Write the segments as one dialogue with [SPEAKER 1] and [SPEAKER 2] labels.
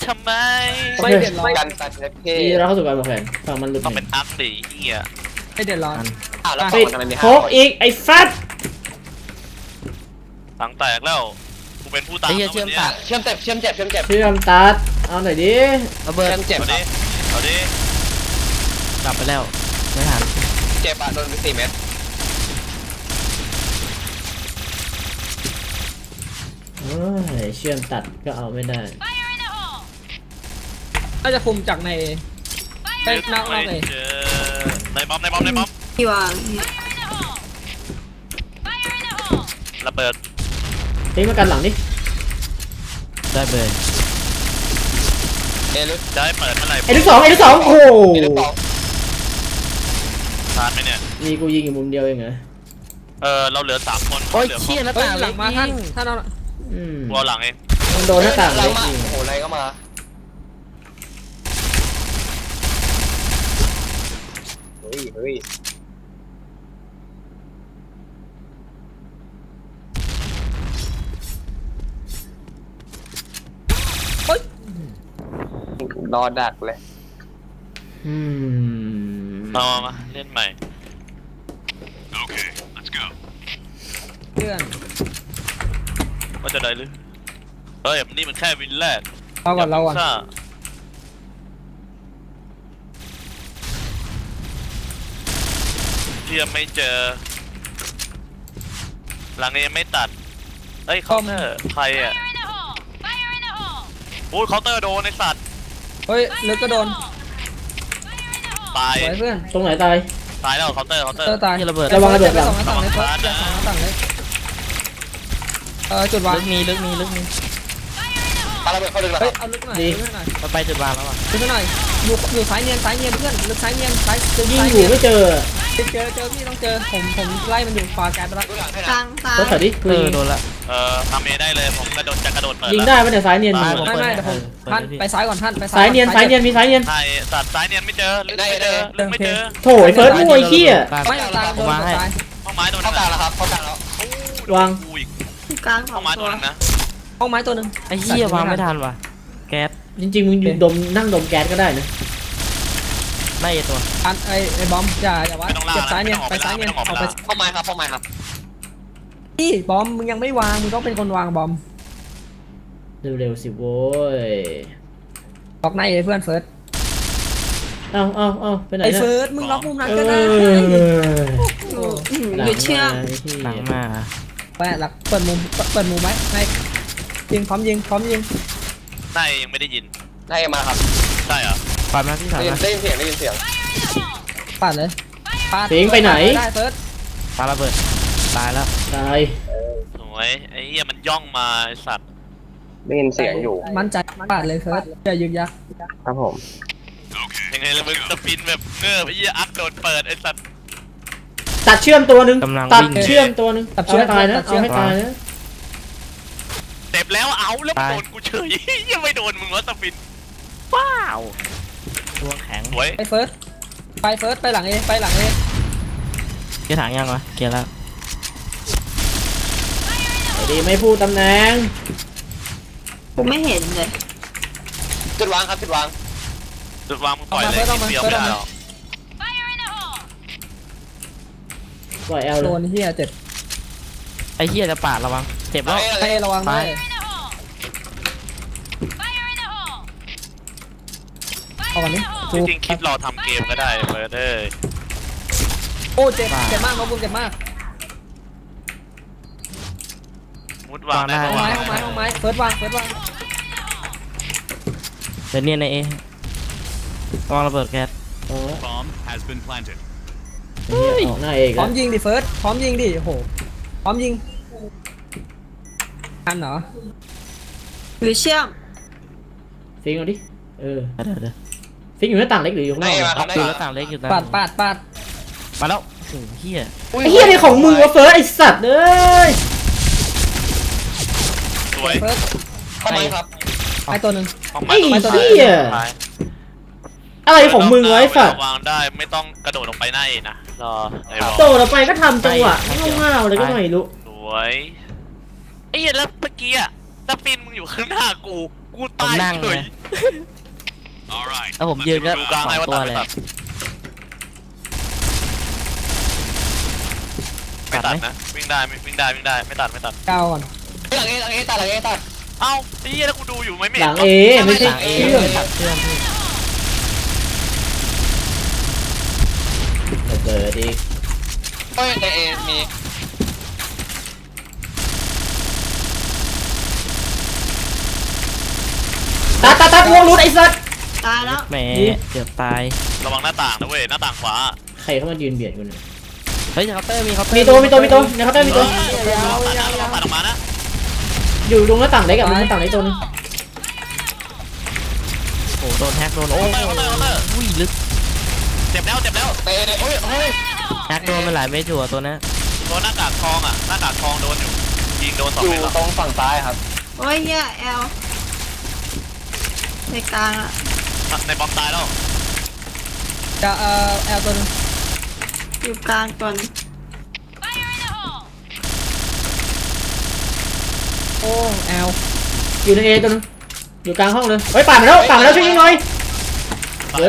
[SPEAKER 1] ทำไม
[SPEAKER 2] ไม่เดือดร้อน
[SPEAKER 3] กันตัดเล็บเท่
[SPEAKER 4] ดีเราเข้าสู่การวางแผนฟังมันหลุด
[SPEAKER 1] ต้องเป็นอักดิเฮีย
[SPEAKER 2] ไม่เดือดร้อน
[SPEAKER 3] อ้าวแล้ว
[SPEAKER 4] ปิด
[SPEAKER 3] ทำไมมี
[SPEAKER 4] โคกอีกไอ้ฟัด
[SPEAKER 1] ตังแตกแล้วกูเป็นผู้ตาม
[SPEAKER 5] ไอ้เหี้ยเชื่อมตัด
[SPEAKER 3] เชื่อมเจ็บเชื่อมเจ็บเชื่อมเจ็บ
[SPEAKER 4] เชื่อมตัดเอาหน่อยดิ
[SPEAKER 5] ระเบิด
[SPEAKER 3] เชื่อมเจ็บ
[SPEAKER 1] เอาดิเอาดิ
[SPEAKER 5] กลับไปแล้วไม่ทัน
[SPEAKER 3] เจ็บอ่ะโดนไป4 เม็ด
[SPEAKER 4] โอ้ยเชื่อมตัดก็เอาไม่ได้
[SPEAKER 2] น่าจะคุมจากในไปนอก
[SPEAKER 1] ไม่
[SPEAKER 2] เลย
[SPEAKER 1] เจอในบอมในบอมในบอม
[SPEAKER 6] ที่วาง
[SPEAKER 1] ระเบิด
[SPEAKER 4] ทิ้งมากันหลังดิ
[SPEAKER 5] ได้เบิร์น
[SPEAKER 3] ลึก
[SPEAKER 1] จะให้เปิดเมื่อไหร่
[SPEAKER 4] ไอ้ลูกสองโอ้โห
[SPEAKER 3] ลึกสอง
[SPEAKER 1] ทานไหมเนี่ย
[SPEAKER 4] มีกูยิงอยู่มุมเดียวเองเหรอ
[SPEAKER 1] เราเหลือ3 คน
[SPEAKER 5] โอ้ย
[SPEAKER 1] เหลือ
[SPEAKER 5] เชี่ยหน้า
[SPEAKER 2] เฮ้ย
[SPEAKER 5] ต่าง
[SPEAKER 2] หลังมาท่านท่านเอา
[SPEAKER 4] อืม
[SPEAKER 1] วอลหลังเอง
[SPEAKER 4] มันโดนหน้าต่าง
[SPEAKER 3] หลั
[SPEAKER 4] เล็
[SPEAKER 3] ง
[SPEAKER 4] ก
[SPEAKER 3] มา
[SPEAKER 4] ยิง
[SPEAKER 3] โอ้โหอะไรก็มาเฮ้ยเฮ้ย
[SPEAKER 2] เฮ้ย
[SPEAKER 3] รอดักเลย
[SPEAKER 4] อืม
[SPEAKER 1] มาเล่นใหม่
[SPEAKER 2] เพื่อน
[SPEAKER 1] ว่าจะได้หรือเฮ้ยนี่มันแค่วินแรก
[SPEAKER 2] เราก่อนเราก่อน
[SPEAKER 1] ซ่าเทียมไม่เจอ หลังนี้ยังไม่ตัดเฮ้ยเคาน์เตอร์ใครอ่ะโอ้ยเคาน์เตอร์โดนไอสัตว์
[SPEAKER 2] เฮ้ยลึกก็โดน
[SPEAKER 1] ตาย
[SPEAKER 2] สวยเพื่อน
[SPEAKER 4] ตรงไหนตาย
[SPEAKER 1] ตายแล้วเคาน์เตอร์
[SPEAKER 2] เตอร์ตาย
[SPEAKER 5] ที่ระเบิด
[SPEAKER 4] ระวังระเบิด
[SPEAKER 2] ไปสองหน้าต่างเลยเพื่อนอย่าสองหน้าต่างเลยจุดวาง
[SPEAKER 5] ลึกมี
[SPEAKER 3] ปาระเบิดเข้าลึกแล้ว
[SPEAKER 2] เฮ้ยเอาลึกหน่อยลึกหน่อย
[SPEAKER 5] มันไปจุดวางแล้วอ่ะ
[SPEAKER 2] ลึกหน่อยอยู่ซ้ายเนียนเพื่อนลึกซ้ายเนียนซ้าย
[SPEAKER 4] ยิงอยู่ไม่เจอ
[SPEAKER 2] เจอพี่ต้องเจอผมไล่มันอยู่ฟาแกนไปแล้ว
[SPEAKER 6] กลางซ้าย
[SPEAKER 4] รถถอยดิกูยิง
[SPEAKER 5] โดนละ
[SPEAKER 1] ทำเอได้เลยผมกระโดดเปิด
[SPEAKER 4] ยิงได้ปะเนี่ยซ้ายเนียนมึง
[SPEAKER 2] ไม่เดี๋ยวผมท่านไปซ้ายก่อนท่านไป
[SPEAKER 4] ซ้ายเนียนมีซ้ายเนียน
[SPEAKER 1] ใช่สัตว์ซ้ายเนียนไม่เจอลึกไม่เจอลึกไม่เจอ
[SPEAKER 4] โถ่ไอ้เฟิร์สมั่วไอ้เหี้ย
[SPEAKER 2] ไม่ตายโดนตาย
[SPEAKER 1] ห้องไม้โดน
[SPEAKER 3] เข้ากลางแล้วครับเข้ากลางแล้ว
[SPEAKER 4] วาง
[SPEAKER 1] กูอีก
[SPEAKER 6] กลางส
[SPEAKER 1] ห้
[SPEAKER 6] อ
[SPEAKER 1] อง งไม้
[SPEAKER 6] ตั
[SPEAKER 1] ตัว วนึงนะ
[SPEAKER 2] ห้องไม้ตัวหนึ่ง
[SPEAKER 5] ไอ้เหี้ยวางไม่ทันว่ะแก๊ส
[SPEAKER 4] จริงๆมึงอยู่นั่งดมแก๊สก็ได้นะ
[SPEAKER 5] ไล่ตัว
[SPEAKER 2] อันไอ้บอมอย่าวัดเก็บซ้ายเนียนไปซ้ายเนียนออกไป
[SPEAKER 3] เข้าไม้ครับเข้าไม้ครับ
[SPEAKER 2] นี่บอมมึงยังไม่วางมึงต้องเป็นคนวางบอม
[SPEAKER 4] เร็วๆสิโว้ย
[SPEAKER 2] ล็อกในเพื่อนเฟิร์ส
[SPEAKER 4] เอาไปไหน
[SPEAKER 2] ไอ้
[SPEAKER 4] นะ
[SPEAKER 2] เฟิร์สมึงล็อกมุมนั้นก็ได้
[SPEAKER 6] หยุดเชื่อม
[SPEAKER 5] หลังมา
[SPEAKER 2] ไปหลักเปิดมุมไหมให้ยิงพร้อมยิง
[SPEAKER 1] ได้ยังไม่ได้ยิน
[SPEAKER 3] ได้มาครับ
[SPEAKER 1] ใช่เหรอ
[SPEAKER 5] ปัดมาที่สาม
[SPEAKER 3] ได้ยินเสียงได้ยินเสียง
[SPEAKER 2] ปัดเลยปัด
[SPEAKER 4] สิงไปไหน
[SPEAKER 2] ได้เฟิร์ส
[SPEAKER 5] ปาระเบิดตายแล้ว
[SPEAKER 4] ตาย
[SPEAKER 1] สวยไอ้เหี้ยมันย่องมาไอ้สัตว์
[SPEAKER 3] ได้ยินเสียงอยู่
[SPEAKER 2] มั่นใจปัดเลยเฟิร์สอย่ายึกยัก
[SPEAKER 3] ครับผม
[SPEAKER 1] ยังไงล่ะมึงสปินแบบเงือบไอ้เหี้ยอักโดนเปิดไอ้สัตว์
[SPEAKER 4] ตัดเชื่อมตัวหนึงตัดเชื่อมตัวหนึงเอาให้ตายนะเอาให้ตายนะ
[SPEAKER 1] เจ็บแล้วเอาแล้วโดนกูเฉยยังไม่โดนมึงวะสปินว้าว
[SPEAKER 5] ตัวแข็ง
[SPEAKER 1] สวย
[SPEAKER 2] ไปเฟิร์สไปหลังเอไปหลังเอ
[SPEAKER 5] เกียร์ถังยังวะเกียร์แล้ว
[SPEAKER 4] ไอ้ดีไม่พูดตำแหน่ง
[SPEAKER 6] กูไม่เห็นเลย
[SPEAKER 3] จุดวางครับจุดวาง
[SPEAKER 1] จุดวางมึงปล่อยเลยเดียวไม่ได้หรอก
[SPEAKER 4] ปล่อยแอลเล
[SPEAKER 2] โด
[SPEAKER 4] ย
[SPEAKER 2] นเฮียเจ็บ
[SPEAKER 5] ไอ้เหี้ยจะปาดระวังเจ็บแล้ว
[SPEAKER 2] เอระวังด้วยเอาก่อนนี้
[SPEAKER 1] จริงๆคิดรอทำเกมก็ได้เฟิร์สเอ้ย
[SPEAKER 2] โอ้เจ็บมากน้องบุญเจ็บมาก
[SPEAKER 1] มุดวางได้
[SPEAKER 2] ห้อง
[SPEAKER 1] วาง
[SPEAKER 2] ไม้เฟิร์สวาง
[SPEAKER 5] เดี๋ยวเนี่ยในเอวางระเบิดแก๊ส
[SPEAKER 4] อ๋อ
[SPEAKER 7] Bomb has been planted.
[SPEAKER 4] ไอ้เหี้ยออกหน้าเอก
[SPEAKER 2] พร้อ
[SPEAKER 4] แล้
[SPEAKER 2] ม
[SPEAKER 4] ว
[SPEAKER 2] ยิงดิเฟิร์สพร้อมยิงดิโอ้โหพร้อมยิงทันเหรอ
[SPEAKER 6] หรือเชื่อม
[SPEAKER 4] ฟิงเอาดิ
[SPEAKER 5] เดี๋ยว
[SPEAKER 4] ฟิงอยู่หน้าต่างเล็กหรืออยู่ข้างน
[SPEAKER 3] ได้
[SPEAKER 4] อก
[SPEAKER 3] มาครับได้
[SPEAKER 5] ดู
[SPEAKER 3] มา
[SPEAKER 5] แล้วต่างเล็กอยู่นะ
[SPEAKER 2] ปาด
[SPEAKER 5] มาแล้วโอ้โหเหี้ย
[SPEAKER 4] ไอ้เหี้ยนี่ของมึงวะเฟิร์สไอ้สัตว์เอ้ย
[SPEAKER 1] สวย
[SPEAKER 2] เฟิร์ส
[SPEAKER 3] เข้าไม้ครับ
[SPEAKER 2] ไอ้ตัวหนึ่ง
[SPEAKER 1] ห้อง
[SPEAKER 4] ไอ้
[SPEAKER 1] ไม้ต้อง
[SPEAKER 4] เหี้ยอะไรของมึงวะไอ้สัตว์
[SPEAKER 1] วางได้ไม่ต้องกระโดดลงไปหน้าเองนะรอไอ้รอ
[SPEAKER 4] โตเราไปก็ทำจังหวะง่าวๆเลยก็ไม่รู้
[SPEAKER 1] สวยไอ้เหี้ยแล้วเมื่อกี้อะสปินมึงอยู่ข้างหน้ากูตาย
[SPEAKER 5] ผมนั่ง
[SPEAKER 1] เล
[SPEAKER 5] เลย ยแล้วผมยืนก็
[SPEAKER 1] ดูกลาง
[SPEAKER 5] สอ
[SPEAKER 1] ให้
[SPEAKER 5] ง
[SPEAKER 1] ว่า
[SPEAKER 5] ตัว
[SPEAKER 1] ตัด
[SPEAKER 5] เลย
[SPEAKER 1] ไม่ตัดนะวิ่งได้ไม่ตัดไม่ตัด
[SPEAKER 2] ก้าวก่อน
[SPEAKER 3] หลังเอตัดหลังเอตัด
[SPEAKER 1] เอ้าไอ้เหี้ยแล้วกูดูอยู่ไม่
[SPEAKER 4] หลังเอไม่ใช่
[SPEAKER 5] หลังเอ
[SPEAKER 4] เชื่อม
[SPEAKER 5] ตัดเชื่อมพี่
[SPEAKER 4] ระเบิดอีก
[SPEAKER 3] เฮ้ยในเอมี
[SPEAKER 4] ตัดวงรุดไอ้สัส
[SPEAKER 6] ตายแล้ว
[SPEAKER 5] แหมเกือบตาย
[SPEAKER 1] ระวังหน้าต่างนะเว้ยหน้าต่างขวา
[SPEAKER 4] ใครเข้ามายืนเบียดกูเนี่ย
[SPEAKER 5] เฮ้ยเคาน์เตอร์มีเคาน์เตอร์
[SPEAKER 4] มีตัวในเคาน์เตอร์มีตัว
[SPEAKER 1] ตัดออกมานะ
[SPEAKER 4] อยู่ตรงหน้าต่างเล็กกับหน้าต่างเล็กตัวนึง
[SPEAKER 5] โอ้โหโดนแฮกโดนโอ้ยอุ้ยลึก
[SPEAKER 1] เจ็บแล้ว
[SPEAKER 3] ในเอเฮ้ย
[SPEAKER 5] แฮกโดนไปหลายเม็ดอยู่อะตัวนั้น
[SPEAKER 1] โดนหน้ากากทองอ่ะหน้ากากทองโดนอยู่ยิงโดน2
[SPEAKER 3] อยู่
[SPEAKER 1] เม็ดแล้ว
[SPEAKER 3] ตรงฝั่งซ้ายครับ
[SPEAKER 6] โอ้ยเหี้ยแอลในกลางอะ
[SPEAKER 1] ในบอมตายแล้ว
[SPEAKER 2] จะแอลตัวนึง
[SPEAKER 6] อยู่กลางก่อน
[SPEAKER 2] โอ้แอล
[SPEAKER 4] อยู่ในเอตัวนึงอยู่กลางห้องเลยเฮ้ยป่าดมาแล้วช่วยยิงหน่อย
[SPEAKER 1] ตาย
[SPEAKER 4] เดี๋ยว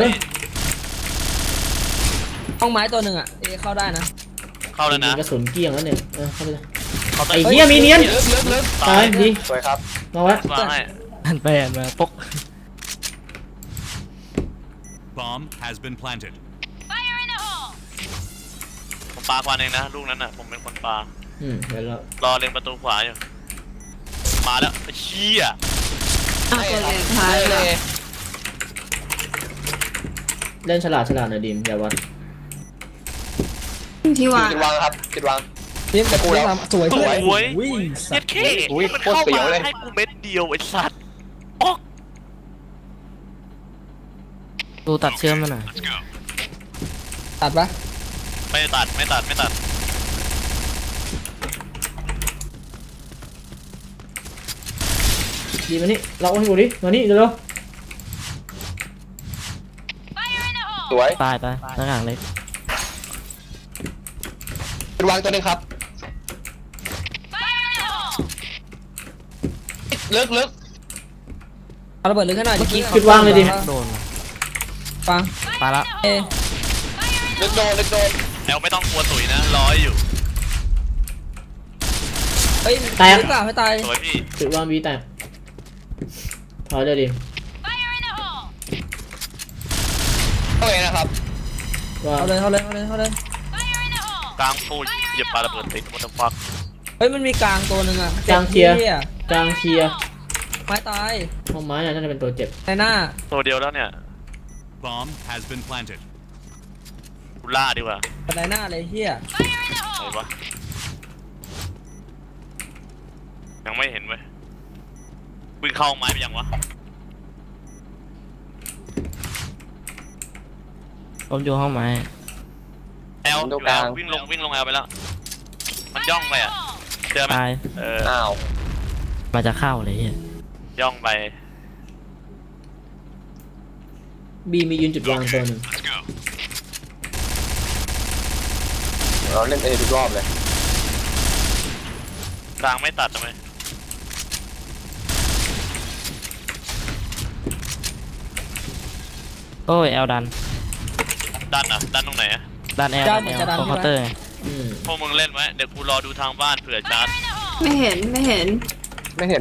[SPEAKER 2] ห้องไม้ตัวหนึ่งอ่ะเอเข้าได้นะ
[SPEAKER 1] เข้าแล้วนะ
[SPEAKER 4] กระสุนเกลี้ยงแล้วเนี่ยเข้าไปเลย
[SPEAKER 1] เข้า
[SPEAKER 4] ไอ้เหี้ยมีเนียน
[SPEAKER 3] ลึก
[SPEAKER 4] ตายดี
[SPEAKER 3] สวยครับ
[SPEAKER 4] มาไว้
[SPEAKER 1] วางให้
[SPEAKER 5] หันไปหันมาปก
[SPEAKER 7] Bomb has been planted.
[SPEAKER 1] ผมปาควันเองนะลูกนั้นน่ะผมเป็นคนปา
[SPEAKER 4] เดี๋ยวเรา
[SPEAKER 1] รอเล็งประตูขวาอยู่มาแล้วเชี่ย
[SPEAKER 6] เอาตัวเล็กท้ายเลย
[SPEAKER 4] เล่นฉลาดหน่อยดิมอย่าวัด
[SPEAKER 6] ที่วาง
[SPEAKER 3] จุดวางครับจุดวาง
[SPEAKER 2] ทีมแต่กูสวย
[SPEAKER 1] ส
[SPEAKER 2] เพื่อน
[SPEAKER 1] วย
[SPEAKER 2] วิ่งสั
[SPEAKER 1] เย็
[SPEAKER 2] ต
[SPEAKER 1] ด
[SPEAKER 2] ว์
[SPEAKER 1] เข้
[SPEAKER 3] อุ้ย
[SPEAKER 1] มัน
[SPEAKER 3] โคตร
[SPEAKER 1] เข้า
[SPEAKER 3] เสียว
[SPEAKER 1] มา
[SPEAKER 3] เลย
[SPEAKER 1] ให้กูเม็ดเดียวไอ้สัตว์ออก
[SPEAKER 5] ดูตัดเชื่อมมาหน่อย
[SPEAKER 2] ตัดปะ
[SPEAKER 1] ไม่ตัด
[SPEAKER 4] ดีมานี่เราให้กูดิมานี่เร็ว
[SPEAKER 3] สวย
[SPEAKER 5] ตายหน้าต่างเล็ก
[SPEAKER 3] จุดวางตัวนึงครับลึก
[SPEAKER 2] เอาระเบิดลึกขนาด
[SPEAKER 4] จุดวางเลยดิ
[SPEAKER 5] โดน
[SPEAKER 2] ฟัง
[SPEAKER 5] ตายละ
[SPEAKER 2] เอ
[SPEAKER 3] ลึกโดน
[SPEAKER 1] แอลไม่ต้องกลัวตุ๋ยนะรออยู่
[SPEAKER 2] เฮ้ยลึกเปล่าไม่ตาย
[SPEAKER 1] สวยพี่
[SPEAKER 4] จุดวางบีแตกถอยเลยดิ
[SPEAKER 3] เข้าเลยนะครับ
[SPEAKER 4] วาง
[SPEAKER 2] เอาเลย
[SPEAKER 1] กลางปูเหยียบปลาระเบิดติดมันจะฟัก
[SPEAKER 2] เฮ้ยมันมีกลางตัวหนึ่งอ่ะ
[SPEAKER 4] กลางเคลียร์
[SPEAKER 2] หี้
[SPEAKER 4] กลางเคลียร์
[SPEAKER 2] ไม้ตาย
[SPEAKER 4] ห้องไม้น่าจะเป็นตัวเจ็บ
[SPEAKER 2] ในหน้า
[SPEAKER 1] ตัวเดียวแล้วเนี่ย
[SPEAKER 7] Bomb has been planted.
[SPEAKER 1] กูล่าดีกว่า
[SPEAKER 2] บันไดหน้าเลยเฮีย
[SPEAKER 1] ไหนวะยังไม่เห็นเว้ยวิ่งเข้าไม้ไปยังวะ
[SPEAKER 5] ผมอยู่ห้องไม้
[SPEAKER 1] แอลอยู่แอลวิ่งลงแอลไปแล้วมันย่องไปอ่ะเจอไหม
[SPEAKER 5] ตาย
[SPEAKER 3] อ้าว
[SPEAKER 5] มาจะเข้าเลยเฮีย
[SPEAKER 1] ย่องไป
[SPEAKER 4] บีมียืนจุดวางตัวหนึ่ง
[SPEAKER 3] เราเล่นเอทุกรอบเลย
[SPEAKER 1] กลางไม่ตัดทำไม
[SPEAKER 5] โอ้ยแอลดัน
[SPEAKER 1] ดันตรงไหนอะ
[SPEAKER 5] ดันแอลดันแอลตรงเคาน์เตอร์ไง
[SPEAKER 1] พวกมึงเล่นไว้เดี๋ยวกูรอดูทางบ้านเผื่อชาร์จ
[SPEAKER 6] ไม่เห็น
[SPEAKER 3] ไม่เห็น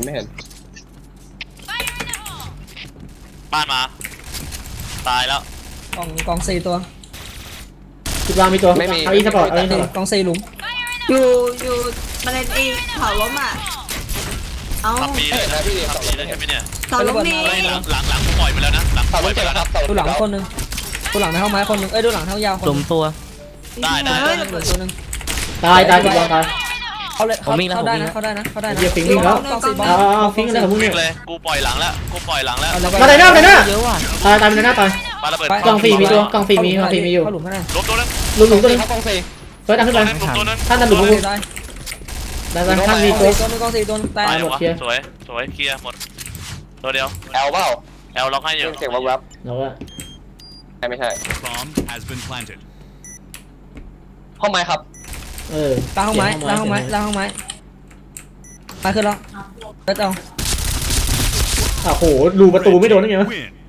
[SPEAKER 1] บ้านมาตายแล้ว
[SPEAKER 2] กอง4ตัว
[SPEAKER 4] จุดวางมีตัวเอาอีสปอร์ตเอาอีสปอร์ต
[SPEAKER 2] กอง4หลุม
[SPEAKER 6] อยู่มาเล่นเองเผาล้มอ่ะเอา
[SPEAKER 1] ทำปีเลยนะทำปีเลยใช่ไหมเนี่ย
[SPEAKER 6] เผาล้มมี
[SPEAKER 1] เฮ้ยหลังกูปล่อยไปแล้วนะหลัง
[SPEAKER 3] เสา
[SPEAKER 1] ปล่
[SPEAKER 3] ต้
[SPEAKER 1] อย
[SPEAKER 3] น
[SPEAKER 1] ไป
[SPEAKER 3] เจ็บ
[SPEAKER 1] แล้ว
[SPEAKER 3] ค
[SPEAKER 1] นะ
[SPEAKER 3] รับ
[SPEAKER 2] ดูหลังคนนึงดูหลังในห้องไม้คนนึงดูหลังเท้ายาวคน
[SPEAKER 5] หลุมตัว
[SPEAKER 1] ได้
[SPEAKER 6] เฮ้ย
[SPEAKER 2] ตัวนึง
[SPEAKER 4] ตายจุดวางตาย
[SPEAKER 2] เข้าเลยเข้าได้นะ
[SPEAKER 4] เดี๋ยวฟิงวิ่งแล้ว
[SPEAKER 2] กอง4บอล
[SPEAKER 4] เอาฟิงอะไรของมึง
[SPEAKER 1] วิ่
[SPEAKER 4] เนี่
[SPEAKER 1] งเลย ยกูปล่อยหลังแล้ว
[SPEAKER 4] มาไหนหน้า
[SPEAKER 5] เยอะว่ะ
[SPEAKER 4] ตายเป็นหน้าตาย
[SPEAKER 1] ปาระเบิด
[SPEAKER 4] กอง4มีตัวกอง4มีอยู่
[SPEAKER 2] เข้าหลุมข้างใน
[SPEAKER 1] ล้มตัวนึง
[SPEAKER 4] หลุมตัวนึง
[SPEAKER 3] ครับกองสี่
[SPEAKER 4] เฟิร์สดันขึ้นไป
[SPEAKER 1] ตัวนึง
[SPEAKER 4] ท่านดันหลุม
[SPEAKER 2] ได้
[SPEAKER 4] ดันท่านมีตัว
[SPEAKER 2] ตัวนึงกอง4ตัวตาย
[SPEAKER 1] ตายหมด
[SPEAKER 4] เคลียร์
[SPEAKER 1] สวยเคลียร์หมดตัวเดียว
[SPEAKER 3] แอลเปล่า
[SPEAKER 1] แอลล็อกให้อยู่
[SPEAKER 3] เสียงวับ
[SPEAKER 4] เราว่า
[SPEAKER 3] ไม่ใช่
[SPEAKER 7] Bomb has been planted.
[SPEAKER 3] ห้องไม้ครับ
[SPEAKER 2] ล่างห้องไม้มาขึ้นแล้วเปิดเอา
[SPEAKER 4] อ้โหรูประตูไม่โดนได้ไงวะ
[SPEAKER 7] Win.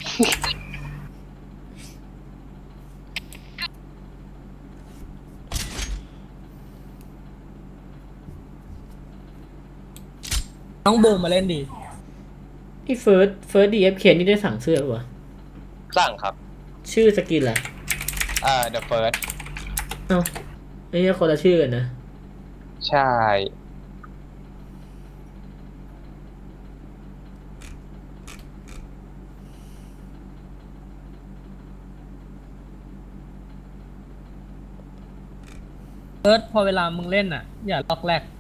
[SPEAKER 2] น้องบูมมาเล่นดี
[SPEAKER 4] ไอ้เฟิร์สดีเอฟเคนี่ได้สั่งเสื้อปะวะ
[SPEAKER 3] สร้างครับ
[SPEAKER 4] ชื่อสกินอะไร
[SPEAKER 3] The First
[SPEAKER 4] เอ้าไอ้เหี้ยคนละชื่อกันนะ
[SPEAKER 3] ใช่
[SPEAKER 2] เอิร์ธพอเวลามึงเล่นอ่ะ อย่าล็อกแรก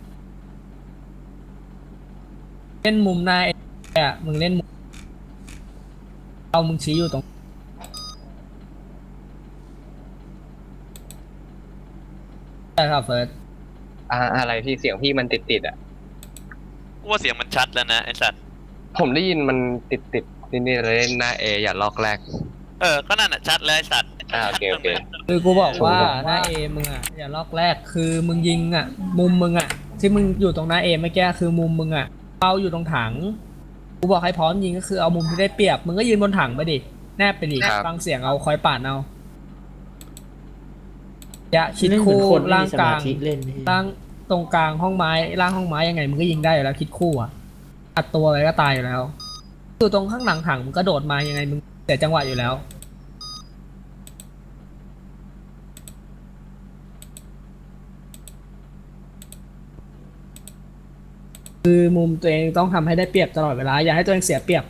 [SPEAKER 2] เล่นมุมหน้าอ่ะมึงเล่นมุมเอามึงชี้อยู่ตรงใช่ครับเฟิร์ส
[SPEAKER 3] อะไรพี่เสียงพี่มันติดอ่ะ
[SPEAKER 1] กูว่าเสียงมันชัดแล้วนะไอ้สัตว์
[SPEAKER 3] ผมได้ยินมันติดนี่เลยหน้าเออย่าลอกแรก
[SPEAKER 1] ก็นั่นอ่ะชัดแล้วไอ้สัตว์
[SPEAKER 3] โอเคโอเค
[SPEAKER 2] คือกูบอกว่าหน้าเอมึงอ่ะอย่าล็อกแรกคือมึงยิงอ่ะ มุมมึงอ่ะที่มึงอยู่ตรงหน้าเอเมื่อกี้คือมุมมึงอ่ะเอาอยู่ตรงถังกูบอกให้พร้อมยิงก็คือเอามุมที่ได้เปรียบมึงก็ยืนบนถังไปดิแนบไปดิฟังเสียงเอาคอยปาดเอาอย่าคิด
[SPEAKER 4] เล่นเหมือ
[SPEAKER 2] คู่
[SPEAKER 4] นคนไม่
[SPEAKER 2] ล่าง
[SPEAKER 4] มีส
[SPEAKER 2] ก
[SPEAKER 4] มา
[SPEAKER 2] ลาง
[SPEAKER 4] ธิเล่นนี่
[SPEAKER 2] ล่างตรงกลางห้องไม้ล่างห้องไม้ยังไงมึงก็ยิงได้อยู่แล้วคิดคู่อ่ะอัดตัวอะไรก็ตายอยู่แล้วอยู่ตรงข้างหลังถังมึงก็โดดมายังไงมึงเสียจังหวะอยู่แล้วคือมุมตัวเองต้องทำให้ได้เปรียบตลอดเวลาอย่าให้ตัวเองเสียเปรียบ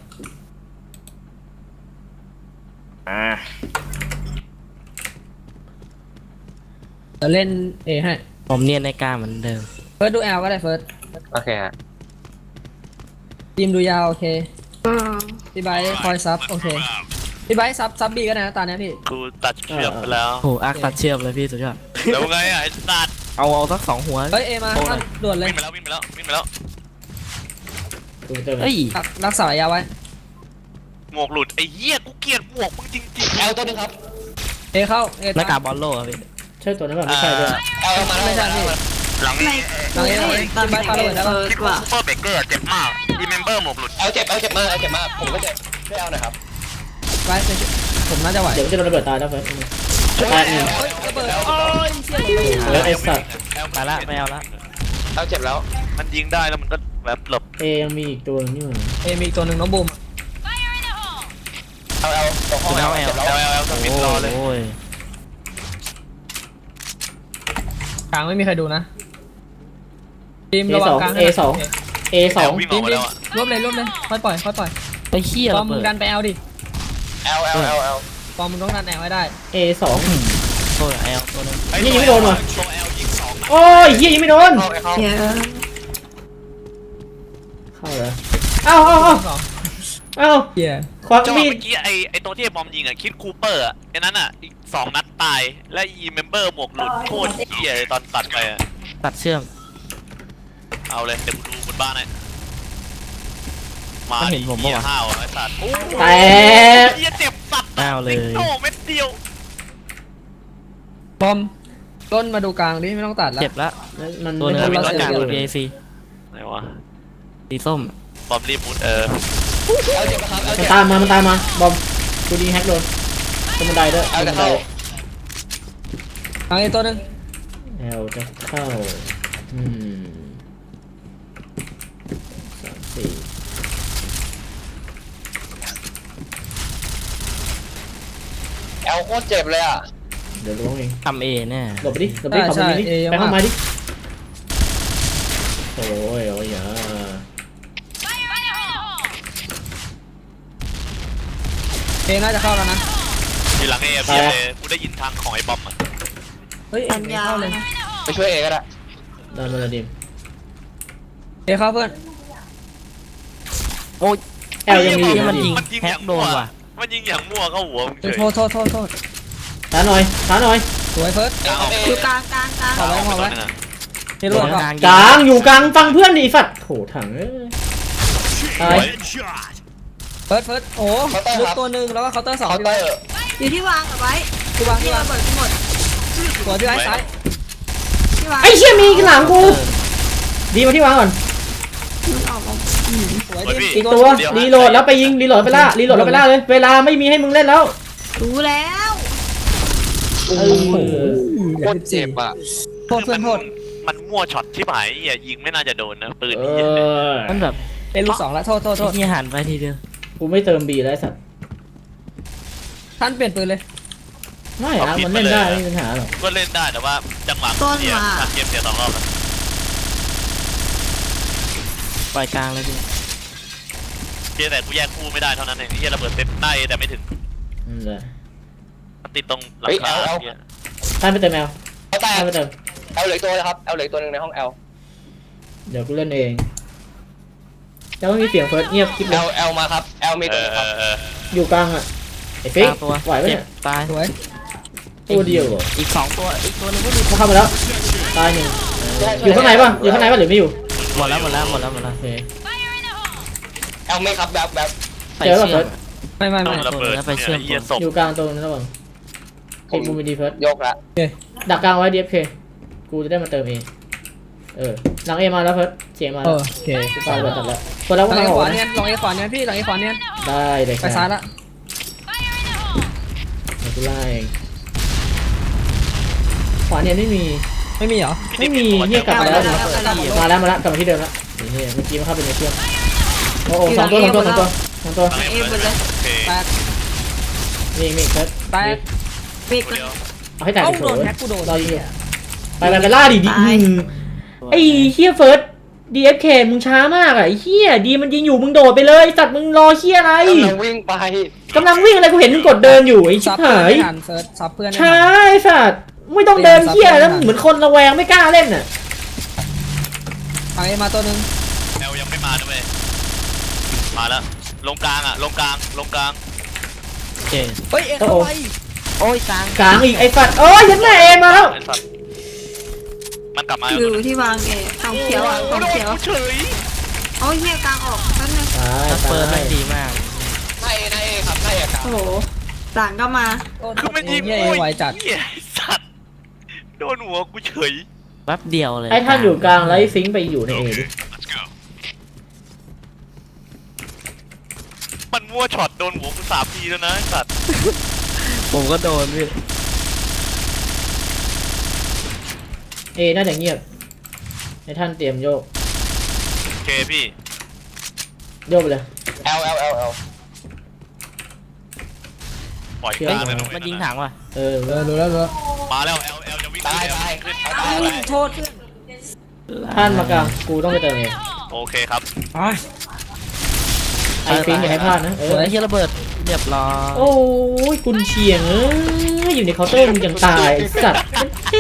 [SPEAKER 2] จะเล่นเอให้
[SPEAKER 5] ผมเนียนในกล้าเหมือนเดิม
[SPEAKER 2] เฟิร์สดูแอลก็ได้เฟิร์ส
[SPEAKER 3] โอเคฮะ
[SPEAKER 2] ทีมดูยาวโอเค
[SPEAKER 6] อืม
[SPEAKER 2] พี่ไบร์ทคอยซับโอเคพี่ไบร์ทซับบีก็ได้นะตอนนี้พี่
[SPEAKER 1] กูตัดเชือกไปแล้ว
[SPEAKER 5] โหอาร์คตัดเชือกเลยพี่สุดยอด
[SPEAKER 1] แล้วไงอ่ะไอ้สัตว์
[SPEAKER 5] เอาสัก2 หัว
[SPEAKER 2] เฮ้ยเอมาท่านด่วนเลย
[SPEAKER 1] วิ่งไปแล้ววิ่งไปแล้ววิ่งไปแล้ว
[SPEAKER 4] ดูเจอ
[SPEAKER 5] เฮ้ย
[SPEAKER 2] รักษาระยะไว้
[SPEAKER 1] หมวกหลุดไอ้เหี้ยกูเกลียดหมวกมึงจริงๆ
[SPEAKER 3] แอลตัวนึงครับ
[SPEAKER 2] เอเข้าเอ
[SPEAKER 5] หน้า
[SPEAKER 2] ตาก
[SPEAKER 5] าก บอลโล่อะพี่
[SPEAKER 4] ใช่ตัวนั้นแบบไม่ใช่ด้วย
[SPEAKER 3] แอลมาแล้ว
[SPEAKER 2] ไม่ใช่พี่
[SPEAKER 1] หลัง
[SPEAKER 6] ไม่
[SPEAKER 1] นี้
[SPEAKER 6] กูเห็นตอนเฟิร์สว่ะ
[SPEAKER 1] ซูเปอร์เบเกอร์เจ็บมากอีเมมเบอร์หมวกหลุด
[SPEAKER 3] แอลเจ็บมากผมก็เจ็บช่วยแอลหน่อยครับ
[SPEAKER 2] ไบร์ทผมน่าจะไหว
[SPEAKER 4] เดี๋ยวจะโดนระเบิดตายแล้วเฟิร์สตายหนึ่ง
[SPEAKER 2] เฮ้ยระเบิดโอ้ยเชี่ยหลบ
[SPEAKER 4] แล้วไอ้สัตว์
[SPEAKER 5] ไปละไม่เอาละ
[SPEAKER 3] แอลเจ็บแล้ว
[SPEAKER 1] มันยิงได้แล้วมันก็แบบหลบ
[SPEAKER 4] เอยังมีอีกตัวนึงนี่หว่า
[SPEAKER 2] เอมีอีกตัวหนึ่งน้องบูม
[SPEAKER 3] แอลตรงห้องแอลเจ็บแล้ว
[SPEAKER 1] แล้วสปินรอเลย
[SPEAKER 5] โอ้ย
[SPEAKER 2] กลางไม่มีใครดูนะทีม
[SPEAKER 4] เอ
[SPEAKER 2] ระวั
[SPEAKER 4] ส
[SPEAKER 2] ง
[SPEAKER 4] อง
[SPEAKER 2] กลาง
[SPEAKER 4] เอสองเอสอง
[SPEAKER 1] วิ่งออกมาแล้วอ่ะ
[SPEAKER 2] รวบเลยค่อยปล่อย
[SPEAKER 5] ไอ้เหี้ย
[SPEAKER 2] ปอ
[SPEAKER 5] ระ
[SPEAKER 2] มมึ
[SPEAKER 5] เบิ
[SPEAKER 2] ง
[SPEAKER 5] ด
[SPEAKER 2] ดันไปเอาดิ
[SPEAKER 3] แอล
[SPEAKER 2] ปอมมึงต้องดันแอลให้ได้
[SPEAKER 4] เอสอง
[SPEAKER 5] โอ้ยแอลตัวนึง
[SPEAKER 4] นี่ยังไม่โดนว่ะ
[SPEAKER 1] ตัวแอลยิง2 นัด
[SPEAKER 4] โอ้ยเฮียยังไม่โดน
[SPEAKER 3] เข้า
[SPEAKER 6] เชี่ย
[SPEAKER 4] เข้าเลยเอ้า
[SPEAKER 2] สอง
[SPEAKER 4] เฮียควัก
[SPEAKER 1] จังหวะ
[SPEAKER 4] มีด
[SPEAKER 1] เมื่อกี้ไอตัวที่ไอ้บอมยิงอ่ะคิดคูเปอร์อ่ะไอ้นั้นอ่ะอีก2 นัดตายและอีเมมเบอร์หมวกหลุดโคตรเหี้ยเลยตอนตัดไปอ่ะ
[SPEAKER 5] ตัดเชื่อม
[SPEAKER 1] เอาเลยเดี๋ยวกูดูบนบ้านให้มา
[SPEAKER 5] มันเห็นผมปะวะ
[SPEAKER 1] ห้าวไอ้สัตว์โอ้
[SPEAKER 4] แตก
[SPEAKER 1] เหี้ยเจ็บสัตว์
[SPEAKER 5] เอาเลย
[SPEAKER 1] โอ้เม็ดเดียว
[SPEAKER 2] ปอมต้นมาดูกลางดิไม่ต้องตัดแล้ว
[SPEAKER 5] เจ็บละ
[SPEAKER 4] มัน
[SPEAKER 5] ตัวนึง
[SPEAKER 4] ไม่
[SPEAKER 5] เป็น
[SPEAKER 4] ทำ
[SPEAKER 5] ตัวกลาง
[SPEAKER 4] เล
[SPEAKER 5] ตัวย BAC
[SPEAKER 1] ไหนวะ
[SPEAKER 5] สีส้ม
[SPEAKER 1] บอมรีบมุด
[SPEAKER 3] แอลเจ็บครับแอล
[SPEAKER 4] มัน
[SPEAKER 3] เจ็บ
[SPEAKER 4] ตามมาบอมกูดีแฮกโดนตรงบันไดด้วย
[SPEAKER 3] แอล
[SPEAKER 4] ตรง
[SPEAKER 3] จะ
[SPEAKER 4] บันได
[SPEAKER 3] เข้า
[SPEAKER 2] กลางอีกตัวหนึง
[SPEAKER 4] แอลจะเข้าอืม3 4
[SPEAKER 3] แอลโคตรเจ็บเลยอ่ะ
[SPEAKER 4] เดี๋ยวล้วงเอง
[SPEAKER 5] ทำเอแน่
[SPEAKER 4] หลบไปดิขอบคุณดิไปห้องไม้ดิโอ้ยอย่า
[SPEAKER 2] เอน่าจะเข้าแล้วนะ
[SPEAKER 1] อยู่หลังเอฟเลยกูได้ยินทางของไอ้บอมอ่ะ
[SPEAKER 2] เฮ้ยเอ
[SPEAKER 6] ปัญ
[SPEAKER 2] ไม่
[SPEAKER 6] ญา
[SPEAKER 2] เข้าเลย
[SPEAKER 3] ไปช่วยเอก็ได้
[SPEAKER 4] ดันมาเลยดิม
[SPEAKER 2] เอเข้าเพื่อน
[SPEAKER 5] โอ้ย
[SPEAKER 4] แอลยังมี
[SPEAKER 5] ที่มันยิง
[SPEAKER 1] มันยิง
[SPEAKER 5] แฮ
[SPEAKER 1] อก ย่าง
[SPEAKER 5] โด
[SPEAKER 1] มั่วน
[SPEAKER 5] ว่ะ
[SPEAKER 1] มันยิงอย่างมั่วเข้าหัวมึงเฉย
[SPEAKER 2] โทษ
[SPEAKER 4] ช้าหน่อย
[SPEAKER 2] สวยเฟิร์ส
[SPEAKER 6] อยู่กลาง
[SPEAKER 2] เอาไว้เอาไว้ เฮโร่ก่อน
[SPEAKER 5] กลาง
[SPEAKER 4] กลางอยู่กลางฟังเพื่อนดิสัตว์โหถังเอ้ยตาย
[SPEAKER 7] Headshot.
[SPEAKER 2] เฟิร์สโอ้ลึกตัวหนึ่งแล้วก็เคาน์เตอร์สอง
[SPEAKER 3] เคาน์
[SPEAKER 2] พี่
[SPEAKER 3] เต
[SPEAKER 2] ไว้
[SPEAKER 3] อร์
[SPEAKER 6] อยู่ที่วางเอาไว้
[SPEAKER 2] ที่วาง
[SPEAKER 6] ที่ระเบิดทั้งหมด
[SPEAKER 2] สวยพี่ไว้ซ้าย
[SPEAKER 6] ที่วาง
[SPEAKER 4] ไอ้เชี่ยมีหลังกูดีมาที่วางก่อน
[SPEAKER 6] มันออกมา
[SPEAKER 2] สวย
[SPEAKER 1] สวย
[SPEAKER 2] ดิ
[SPEAKER 1] พี่
[SPEAKER 4] อีกตัวรีโหลดแล้วไปยิงรีโหลดไปล่ารีโหลดแล้วไปล่าเลยเวลาไม่มีให้มึงเล่นแล้ว
[SPEAKER 6] รู้แล้ว
[SPEAKER 4] โอ้โห
[SPEAKER 3] โคตรเจ็บอ่ะ
[SPEAKER 2] โทษเพื่อนโทษ
[SPEAKER 1] มันมั่วช็อตที่หายอย่ายิงไม่น่าจะโดนนะปืน
[SPEAKER 4] เอ
[SPEAKER 1] นี่
[SPEAKER 4] อ
[SPEAKER 5] มันแบบ
[SPEAKER 2] เป็นลูกสองแล้วโทษ
[SPEAKER 5] ที่หันไปทีเดียว
[SPEAKER 4] กูไม่เติมบีแล้วไอ้สัตว์
[SPEAKER 2] ท่านเปลี่ยนปืนเลย
[SPEAKER 4] ไม่อะมันเล่นได้ไม่มีปัญหาหรอก
[SPEAKER 1] ก็เล่นได้แต่ว่าจังหวะเสียทำเกมเสีย2 รอบแล้ว
[SPEAKER 5] ปล่อยกลางเลยพี่
[SPEAKER 1] เพียงแต่กูแยกคู่ไม่ได้เท่านั้นเองที่ระเบิดเต็มได้แต่ไม่ถึง
[SPEAKER 4] นั่นแหละ
[SPEAKER 1] มันติดตรงหลังคาเนี่ย
[SPEAKER 4] ท่านไปเติมแมว
[SPEAKER 3] เอาแต่
[SPEAKER 4] ท่านไปเติม
[SPEAKER 3] เอาเหลืออกตัวนะครับเอาเหลืออกตัวหนึงในห้อง L
[SPEAKER 4] เดี๋ยวกูเล่นเองจะไม่มีเสียงเฟิร์สเงียบคลิปเลย
[SPEAKER 3] L มาครับ L มีตัวนะครับ
[SPEAKER 4] อยู่กลางอ่ะไอ้ฟิก
[SPEAKER 5] กลางตัว
[SPEAKER 4] ไหวปะ
[SPEAKER 5] เจ็
[SPEAKER 4] เนี่
[SPEAKER 5] บ
[SPEAKER 4] ย
[SPEAKER 5] ตาย
[SPEAKER 2] สวย
[SPEAKER 4] ตัวเดียวเหรอ
[SPEAKER 5] อีก2ตัวอีกตัวนึงก็มี
[SPEAKER 4] เขาเข้ามาแล้วตายหนึ่งอยู่ข้างในป่ะอยู่ข้างในป่ะหรือไม่อยู่
[SPEAKER 5] หมดแล้ว
[SPEAKER 4] โอเค
[SPEAKER 3] L ไม่ครับแบบ
[SPEAKER 5] ใส่
[SPEAKER 4] เจอแล้ว
[SPEAKER 5] เชื
[SPEAKER 4] เฟิ
[SPEAKER 5] อ
[SPEAKER 4] ร์
[SPEAKER 5] ก
[SPEAKER 4] ส
[SPEAKER 2] ไม่
[SPEAKER 1] ต้องระเบิด
[SPEAKER 5] แล้วไปเชื่อม
[SPEAKER 1] เหี้ยศพ
[SPEAKER 4] อยู่กลางตรงนั้นระวังปิดมุมไปดีเฟิร์ส
[SPEAKER 3] ยกละ
[SPEAKER 4] ดักกลางไว้ DFK กูจะได้มาเติมเองหลังเอมาแล้วเฟิร์สเสียงมา
[SPEAKER 2] โอ
[SPEAKER 4] แล้ว
[SPEAKER 2] เค
[SPEAKER 4] กูฟังตัดแล้วคนแล้ว
[SPEAKER 2] หลั
[SPEAKER 4] ก็
[SPEAKER 2] ง
[SPEAKER 4] มา
[SPEAKER 2] เอ
[SPEAKER 4] อ
[SPEAKER 2] ข
[SPEAKER 4] อก
[SPEAKER 2] วา
[SPEAKER 4] นะ
[SPEAKER 2] เนี่ยหลังเอขวาเนี่ยพี่หลังเอขวาเนี่ย
[SPEAKER 4] ได้เลย
[SPEAKER 2] ไปซ้ายละ
[SPEAKER 4] เดี๋ยวกูไล่เองขวาเนี่ยไม่มี
[SPEAKER 2] ไม่มีเหรอ
[SPEAKER 4] ไม่มีเฮียกลับมาแล้ว
[SPEAKER 6] กลับมาแล้ว
[SPEAKER 4] กลับมาที่เดิมแล้วนี่เมื่อกี้มันเข้าไปในเครื่องโอ้โหสองตัว
[SPEAKER 6] เอหมดเลย
[SPEAKER 1] โอเค
[SPEAKER 2] แตก
[SPEAKER 4] มีเฟิร์ส
[SPEAKER 2] แตก
[SPEAKER 6] ปิด
[SPEAKER 1] ตัวเดียว
[SPEAKER 4] เอาให้แตก
[SPEAKER 2] เอ้า
[SPEAKER 4] เถ
[SPEAKER 2] โดน
[SPEAKER 4] อะ
[SPEAKER 2] แฮกกูโดน
[SPEAKER 4] รอยิงอยู่ไปล่าดิไอ้เฮียเฟิร์ส DFK มึงช้ามากอ่ะไอ้เฮียดีมันยิงอยู่มึงโดดไปเลยสัตว์มึงรอเฮียอะไร
[SPEAKER 3] กำลังวิ่งไป
[SPEAKER 4] กำลังวิ่งอะไรกูเห็นมึงกดเดินอยู่ไอ้ชิ
[SPEAKER 2] ซั
[SPEAKER 4] บบ
[SPEAKER 2] เพื่อน
[SPEAKER 4] หาย
[SPEAKER 2] ไม่ทันเฟิร์สซับเพื่อนไม่
[SPEAKER 4] ช้า
[SPEAKER 2] ทัน
[SPEAKER 4] ไอ้สัตว์ไม่ต้องเดินเฮียแล้วเหมือนคนระแวงไม่กล้าเล่นอ่ะ
[SPEAKER 2] หลังเอมาตัวนึง
[SPEAKER 1] แอลยังไม่มาด้วยมาแล้วลงกลางลงกลาง
[SPEAKER 5] โอเค
[SPEAKER 2] เฮ้ยเอเข้าไป
[SPEAKER 5] โอ้ยกลาง
[SPEAKER 4] กลางอีกไอ้สัตว์โอ้ยยันแม่เอมาแล้ว
[SPEAKER 1] ไอ้สัตว์มันกลับมา
[SPEAKER 6] อยู่ที่วางเอทองเขียวอ่ะทองเขียว
[SPEAKER 1] เฉย
[SPEAKER 6] โอ้ยเฮียกลางออกแป๊บนึง
[SPEAKER 4] ตาย
[SPEAKER 5] ถ้าเปิด
[SPEAKER 4] ตา
[SPEAKER 5] มัน
[SPEAKER 4] ย
[SPEAKER 5] ดีมาก
[SPEAKER 3] นายเอครับนายเอกครับ
[SPEAKER 6] โอ้โหหลังก็มา
[SPEAKER 1] คือมันยิง
[SPEAKER 2] เอไวจัด
[SPEAKER 1] เหี้ยไอ้สัตว์โดนหัวกูเฉย
[SPEAKER 5] แป๊บเดียวเลย
[SPEAKER 4] ไอ้ท่านอยู่กลางแล้วไอ้ฟิงค์ไปอยู่ในเอดิ
[SPEAKER 1] มันมั่วช็อตโดนหัวกู3 ทีแล้วนะไอ้สัตว์
[SPEAKER 5] ผมก็โดนพี่
[SPEAKER 4] เอน่าจะเงียบให้ท่านเตรียมโยก
[SPEAKER 1] โอเคพี่
[SPEAKER 4] โยกไปเลย
[SPEAKER 3] L
[SPEAKER 1] ปล่อยกลางเลย
[SPEAKER 5] มันยิงถังว่ะ
[SPEAKER 2] รู้แล้ว
[SPEAKER 1] มาแล้ว L จะวิ่ง
[SPEAKER 3] ตาย
[SPEAKER 1] ขึ้น
[SPEAKER 3] ตาย
[SPEAKER 2] โทษ
[SPEAKER 4] ท่านมากลางกูต้องไปเติมเอง
[SPEAKER 1] โอเคครับ
[SPEAKER 4] ไอ้ฟิงค์อย่าให้พลาดนะ
[SPEAKER 5] สวยเฮียระเบิดเรียบร้อย
[SPEAKER 4] โอ้ยกุนเชียงอยู่ในเคาน์เตอร์มึงยังตายไอ้สัตว์แม่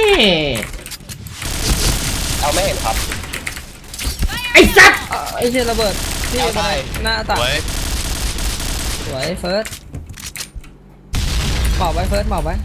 [SPEAKER 3] L ไม่เห็นครับ
[SPEAKER 4] ไอ้สัตว์
[SPEAKER 2] ไอ้เชี่ยระเบิดที่หน้า
[SPEAKER 1] ส
[SPEAKER 2] ตัด
[SPEAKER 1] วย
[SPEAKER 2] สวยเฟิร์สหมอบไว้เฟิร์สหมอบไว้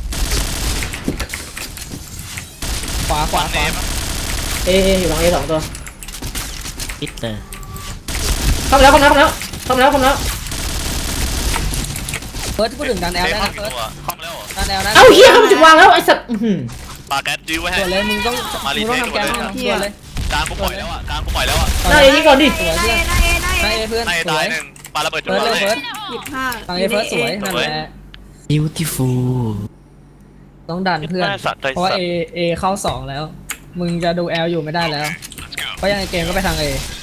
[SPEAKER 2] ขวา
[SPEAKER 1] เนม
[SPEAKER 4] เออยู่หลังเอ2 ตัว
[SPEAKER 5] อิตเตอร์
[SPEAKER 4] เข้ามาแล้ว
[SPEAKER 2] เฟิร์สพูดถึงดันแอลได้
[SPEAKER 1] เข้า
[SPEAKER 2] นะ
[SPEAKER 1] กี่
[SPEAKER 2] เฟิร์ส
[SPEAKER 1] ตัวเข้ามาแล้ว
[SPEAKER 2] ดันแอลนะ
[SPEAKER 4] เอ้าเฮียเข้ามาถึงวางแล้วไอ้สัตว์อื้อหือ
[SPEAKER 1] ปาแกนจิ้วไว้ให้
[SPEAKER 2] ตัวเลยมึงต้องทำแกนตัวเลย
[SPEAKER 1] กลางกูปล่อยแล้วกลางกูปล่อยแล้ว
[SPEAKER 4] หน้าเอนี่ก่อนดิ
[SPEAKER 2] สวย
[SPEAKER 6] ได้
[SPEAKER 2] เพื่อน
[SPEAKER 6] ได้
[SPEAKER 2] นายเอเพื่อน
[SPEAKER 1] ใน
[SPEAKER 2] ส
[SPEAKER 1] ตา
[SPEAKER 2] วย ย
[SPEAKER 1] 1ปาระเบิดจุด
[SPEAKER 2] เฟิร์ส
[SPEAKER 1] เล
[SPEAKER 2] เลย ยเฟิร์ส
[SPEAKER 6] 25
[SPEAKER 2] หลังเอเฟิร์สสวยนั่นแหละ
[SPEAKER 5] beautiful
[SPEAKER 2] ต้องดันเพื่อน
[SPEAKER 1] สัตว์ใจ
[SPEAKER 2] เพราะว่า
[SPEAKER 1] สัต
[SPEAKER 2] เอ
[SPEAKER 1] ว์
[SPEAKER 2] เข้า2แล้ว มึงจะดูแอลอยู่ไม่ได้แล้ว เพราะยังไงเกมก็ไปทางเอ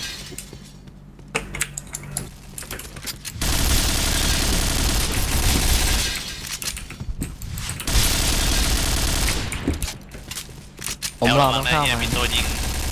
[SPEAKER 5] ผมรอมันเข้า
[SPEAKER 1] เนี่ย
[SPEAKER 5] มา
[SPEAKER 1] มีตัวยิง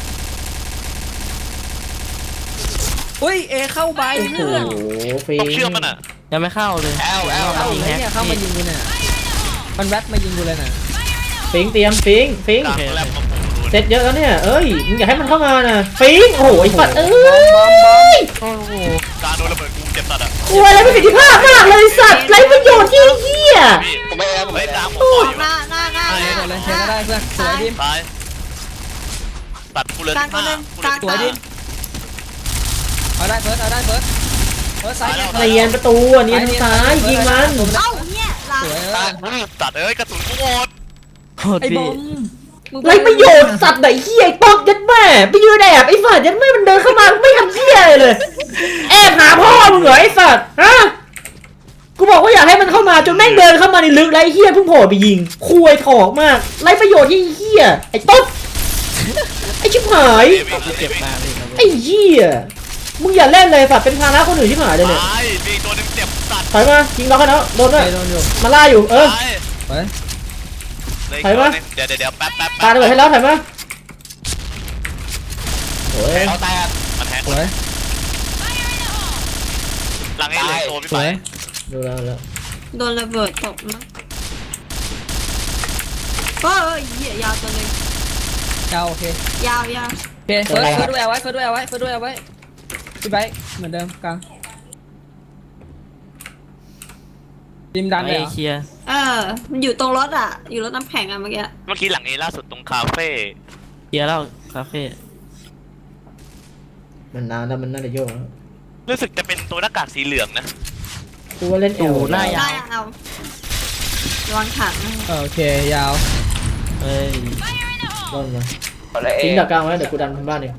[SPEAKER 2] อุ้ยเอเข้าใบ
[SPEAKER 4] โอ้โห
[SPEAKER 2] เพื่อน
[SPEAKER 4] ฟิง
[SPEAKER 1] ต้องเชื่อมัน
[SPEAKER 5] ยังไม่เข้าเลย
[SPEAKER 2] เข้าเลยเนี่ยเข้ามายิงกูเนี่ยมันแวบมายิงกูเลยน่ะ
[SPEAKER 4] ฟิงเตรียมฟิง
[SPEAKER 1] กลางแลบมาปู
[SPEAKER 4] เสร็จเยอะแล้วเนี่ยเอ้ยมึงอยากให้มันเข้ามานะฟิงโอ้โหไอ้สัตว์เอ้ย
[SPEAKER 5] โอ้โห
[SPEAKER 1] กลางโดนระเบิดกูเจ็บตัดอ่ะ
[SPEAKER 4] คุยอะไรประสิทธิภาพมากเลยสัตว์ไรประโยชน์ที่เหี้ย
[SPEAKER 1] พี่
[SPEAKER 3] ผมไม่ได้ผม
[SPEAKER 1] เฮ้
[SPEAKER 3] ไม่
[SPEAKER 1] ยก
[SPEAKER 3] ได้
[SPEAKER 1] ลางผมปล่อยอยู่
[SPEAKER 6] หน้า
[SPEAKER 2] เดี๋ยวเลยเทก็ได้เพื่อนสวยดิม
[SPEAKER 1] ตายตัดกูเลย
[SPEAKER 6] กลางตัวนึงกลาง
[SPEAKER 2] สวยดิมเอาได้เฟิร์สซ้าย
[SPEAKER 4] เนียนประตูอ่ะเนียนทางซ้ายยิงมัน
[SPEAKER 6] เอ้าเนี่ยหลัง
[SPEAKER 2] สวย
[SPEAKER 1] ตัดกระสุนกูหมด
[SPEAKER 5] โคตร
[SPEAKER 2] ไอ้บ
[SPEAKER 5] พี่
[SPEAKER 2] อม
[SPEAKER 4] ไรประโยชน์สัตว์ไหนเหี้ยไอ้ป๊อกยัดแม่ไปยืนแอบไอ้สัตว์ยัดแม่มันเดินเข้ามาไม่ทำเหี้ยอะไรเลยแอบหาพ่อมึงเหรอไอ้สัตว์ฮะกูบอกว่าอยากให้มันเข้ามาจนแม่งเดินเข้ามาในลึกแล้วไอ้เหี้ยเพิ่งโผล่ไปยิงคุยถอกมากไรประโยชน์ที่เหี้ยไอ้ต๊ดไอ้ชิบหาย
[SPEAKER 5] เจ็บมากเลยนะ
[SPEAKER 4] ไอ้เหี้ยมึงอย่าเล่นเลยสัตว์เป็นภาระคนอื่นชิบหายเลยเนี่ย
[SPEAKER 1] ตายมีตัวหนึงเจ็บสัตว์
[SPEAKER 4] ถอยมายิงล็อกกันแล้วโดนด้วย
[SPEAKER 2] ไอ้โดนอยู่
[SPEAKER 4] มาล่าอยู่เออ
[SPEAKER 1] ตาย
[SPEAKER 2] ไป
[SPEAKER 1] เลย
[SPEAKER 4] ถอยมา
[SPEAKER 1] เดี๋ยวแป๊บ
[SPEAKER 4] ปาระเบิดให้แล้วถอยมาโอ้ย
[SPEAKER 1] เขาแตกมันแฮก
[SPEAKER 2] สวย
[SPEAKER 1] หลังไอ้เหล็กโตพี่
[SPEAKER 2] ส
[SPEAKER 1] ไป
[SPEAKER 2] วย
[SPEAKER 4] ดูแล้วแล้ว
[SPEAKER 6] โดนระเบิดตกมั้งเฮ้ยเหี้ยยาวตัวหนึง
[SPEAKER 2] เอาโอเค
[SPEAKER 6] ยาว
[SPEAKER 2] โอเคเฟิร์สด้วยเอาไว้เฟิร์สด้วยเอาไว้เฟิร์สด้วยเอาไว้พี่ไบค์เหมือนเดิมกลางทีมดันเลย
[SPEAKER 5] ไอ้
[SPEAKER 2] เหรอ
[SPEAKER 5] เคลียร์
[SPEAKER 6] มันอยู่ตรงรถอ่ะ อยู่รถน้ำแข็งอ่ะเมื่อกี้
[SPEAKER 1] เมื่อกี้หลังเอล่าสุดตรงคาเฟ่
[SPEAKER 5] เคลียร์แล้วคาเฟ่
[SPEAKER 4] มันนานแล้วมันน่าจะโยกแล้ว
[SPEAKER 1] รู้สึกจะเป็นตัวหน้ากากสีเหลืองนะ
[SPEAKER 4] กูว่าเล่นเอล
[SPEAKER 5] หน้า
[SPEAKER 6] ได้เอาระวังถังนะ
[SPEAKER 2] โอเคยาว
[SPEAKER 5] เอ้ย
[SPEAKER 4] ต้นมา
[SPEAKER 3] ขอละเอ
[SPEAKER 4] ทิ้งดักกลางไว้เดี๋ยวกูดันบ้านเอง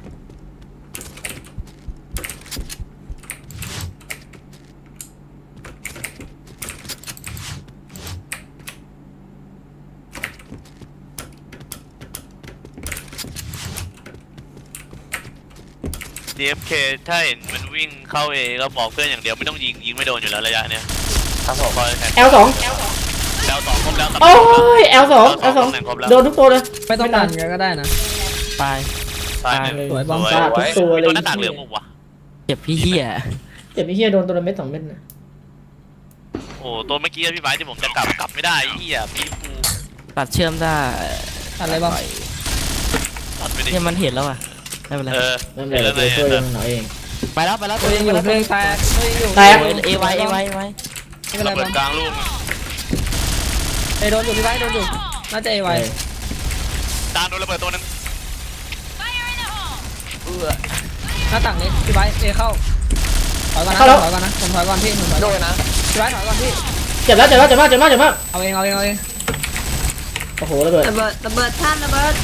[SPEAKER 1] DFK ถ้าเห็นมันวิ่งเข้าเอก็บอกเพื่อนอย่างเดียวไม่ต้องยิงไม่โดนอยู่แล้วระยะเนี้ย
[SPEAKER 3] ครับผม
[SPEAKER 1] คอยแทน
[SPEAKER 4] L2
[SPEAKER 1] แล้วสองครบแล้ว
[SPEAKER 4] โอ้ย L2 L2
[SPEAKER 1] ตำแหน่งครบแล้ว
[SPEAKER 4] โดนทุกตัวเลย
[SPEAKER 2] ไม่ต้องดันกันก็ได้นะ
[SPEAKER 5] ตาย
[SPEAKER 1] ตายหนึ่ง
[SPEAKER 2] สวยบอม
[SPEAKER 4] ฟาดทุกตัวเลย
[SPEAKER 1] ตัวหน้ากากเหลืองมุกวะ
[SPEAKER 5] เจ็บพี่เหี้ย
[SPEAKER 4] เจ็บไอ้เหี้ยโดนตัวละเม็ด2 เม็ดนะ
[SPEAKER 1] โอ้ตัวเมื่อกี้พี่ไบร์ทที่ผมจะกลับไม่ได้ไอ้เหี้ยพี่ปู
[SPEAKER 5] ตัดเชื่อมได้
[SPEAKER 2] อะไรบ้าง
[SPEAKER 1] ตัดไปดิ
[SPEAKER 5] เนี่ยมันเห็นแล้วอ่ะไม่เป็นไร
[SPEAKER 4] นั่นแหละตัวช่วยมันหน่อยเอง
[SPEAKER 5] ไปแล้วไปแล้ว
[SPEAKER 2] ตัวยังอยู่เพลงแตกตัวยังอยู่
[SPEAKER 4] แตก
[SPEAKER 5] เอไว้
[SPEAKER 2] ไม่เป็นไร
[SPEAKER 1] ระเบิ
[SPEAKER 2] บอ
[SPEAKER 1] ด
[SPEAKER 2] ม
[SPEAKER 1] กลางลูก
[SPEAKER 2] ไอ้โดนอยู่พี่ไบค์โดนอยู่น่าจะเอไว
[SPEAKER 1] จานโดนระเบิดตัวนึง
[SPEAKER 2] หน้าต่างนี้พี่ไบค์เอเข้าถอยก่อนนะถอยก่อนนะผมถอยก่อนพี่ผมถอย
[SPEAKER 3] โด
[SPEAKER 2] ก่อน
[SPEAKER 3] นนะ
[SPEAKER 2] พี่ไบค์ถอยก่อนพี่
[SPEAKER 4] เจ็บแล้วเจ็บมาก
[SPEAKER 2] เอาเองเอาเองเอาเอง
[SPEAKER 4] โอ้โหระเบิด
[SPEAKER 6] ระเบิดท่านระเบิด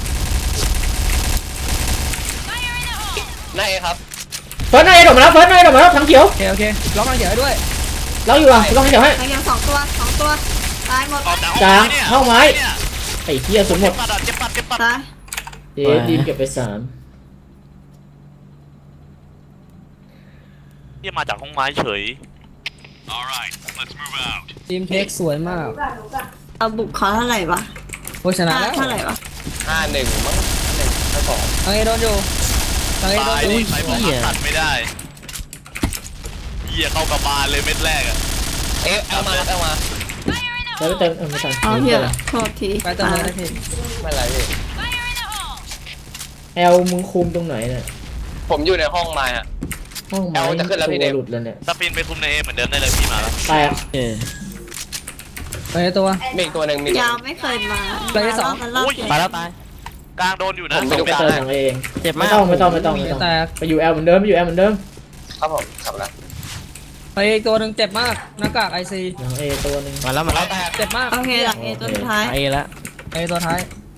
[SPEAKER 3] หน้าเอครับ
[SPEAKER 4] เฟิร์สนายโดดมาแล้วถังเขียว
[SPEAKER 2] โอเคโอเคล็อกทางเขียวให้ด้วย
[SPEAKER 4] เราอยู่อ่ะล็อกถังเขียวให้
[SPEAKER 6] ทั้งยังสองตัวตายหมด
[SPEAKER 1] ออกจาก
[SPEAKER 4] กลาง
[SPEAKER 1] เนี่ย
[SPEAKER 4] เข้าไม้ไอ้เหี้ยสุดหม
[SPEAKER 1] เจ็
[SPEAKER 4] ด
[SPEAKER 1] บปัดอ่ะเจ็บปัด
[SPEAKER 6] ตาย
[SPEAKER 4] เจ๊ดีมเก็บไป3
[SPEAKER 1] เหี้ยมาจากห้องไม้เฉย
[SPEAKER 7] Alright, let's move out.
[SPEAKER 2] ทีมเทคสวยมาก
[SPEAKER 6] เอาบุกเขาเท่าไหร่วะ
[SPEAKER 2] โคชนะแล้ว
[SPEAKER 6] เท่าไหร่วะ
[SPEAKER 3] 5-1มั้ง5-1 5-2
[SPEAKER 2] ทางเอโดนอยู่ทางเอโดน
[SPEAKER 1] ตาย
[SPEAKER 2] อยู่
[SPEAKER 1] ดิใครบอกว่าตัดไม่ได้เหี้ยเข้ากระบาลเลยเม็ดแรกอ่ะ
[SPEAKER 3] เอลมาครับเอลมา
[SPEAKER 4] แล้วไปเติมไม่ทัน
[SPEAKER 6] เอาเหี้ยโทษที
[SPEAKER 2] ไปเติมเลยนะพี่
[SPEAKER 3] ไม่เป็นไรพี่
[SPEAKER 4] แอลมึงคุมตรงไหนเนี่ย
[SPEAKER 3] ผมอยู่ในห้องไม้ฮะ
[SPEAKER 4] ห้องไม้
[SPEAKER 3] แอลจะขึ้นแล้วพี่เดม
[SPEAKER 4] ตัวหลุดแล้วเนี่ย
[SPEAKER 1] สปินไปคุมในเอเหมือนเดิมได้เลยพี่มาแล้ว
[SPEAKER 4] แตก
[SPEAKER 5] เออ
[SPEAKER 2] ไปตัว
[SPEAKER 3] มีอีกตัวหนึ่งมี
[SPEAKER 6] ยาวไม่เคยมา
[SPEAKER 2] เลยที่สอง
[SPEAKER 6] มันรอบเดียว
[SPEAKER 5] ตายแล้วตาย
[SPEAKER 1] กลางโดนอยู่นะ
[SPEAKER 3] ผมไปดู
[SPEAKER 4] ไป
[SPEAKER 3] กลาง
[SPEAKER 4] เติม
[SPEAKER 3] ให้
[SPEAKER 4] ของเอง
[SPEAKER 5] เจ็บ
[SPEAKER 4] ไม่
[SPEAKER 5] มาก
[SPEAKER 4] ต้อง
[SPEAKER 2] แตก
[SPEAKER 4] ไปอยู่แอลเหมือนเดิม
[SPEAKER 3] ครับผมกลับแล้ว
[SPEAKER 2] ไปอีกตัวหนึ่งเจ็บมากหน้ากากไอซี
[SPEAKER 4] หลังเอตัวหนึง
[SPEAKER 5] มาแล้วมาแล้ว
[SPEAKER 2] เจ็บมาก
[SPEAKER 6] โอเคหลังเอตัวสุดท้าย
[SPEAKER 5] ไอ้แล้ว
[SPEAKER 2] ไอตัวท้าย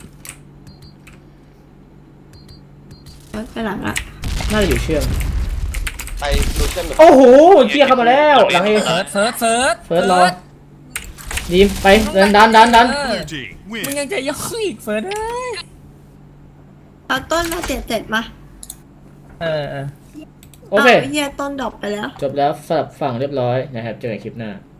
[SPEAKER 6] ไปหลังละ
[SPEAKER 4] น่าจะอยู่เชื่อม
[SPEAKER 3] ไปดูเชื่อมอยู่
[SPEAKER 4] โอ้โหเชี่ยเข้ามาแล้วหลังเอ
[SPEAKER 2] เฟิร์สเฟิร์สเฟิร์ส
[SPEAKER 4] เฟิร์สรอดีมไปดัน
[SPEAKER 7] Blue team
[SPEAKER 2] มึง
[SPEAKER 7] win.
[SPEAKER 2] ยังจะย่องอีกเฟิร์สเอ้ย
[SPEAKER 6] เอาต้นมาเจ็ดมา
[SPEAKER 2] เออ
[SPEAKER 4] โอเค
[SPEAKER 6] าเหี้ยต้นดอกไปแล้ว
[SPEAKER 4] จบแล้วสำหรับฝั่งเรียบร้อยนะครับเจอกันคลิปหน้า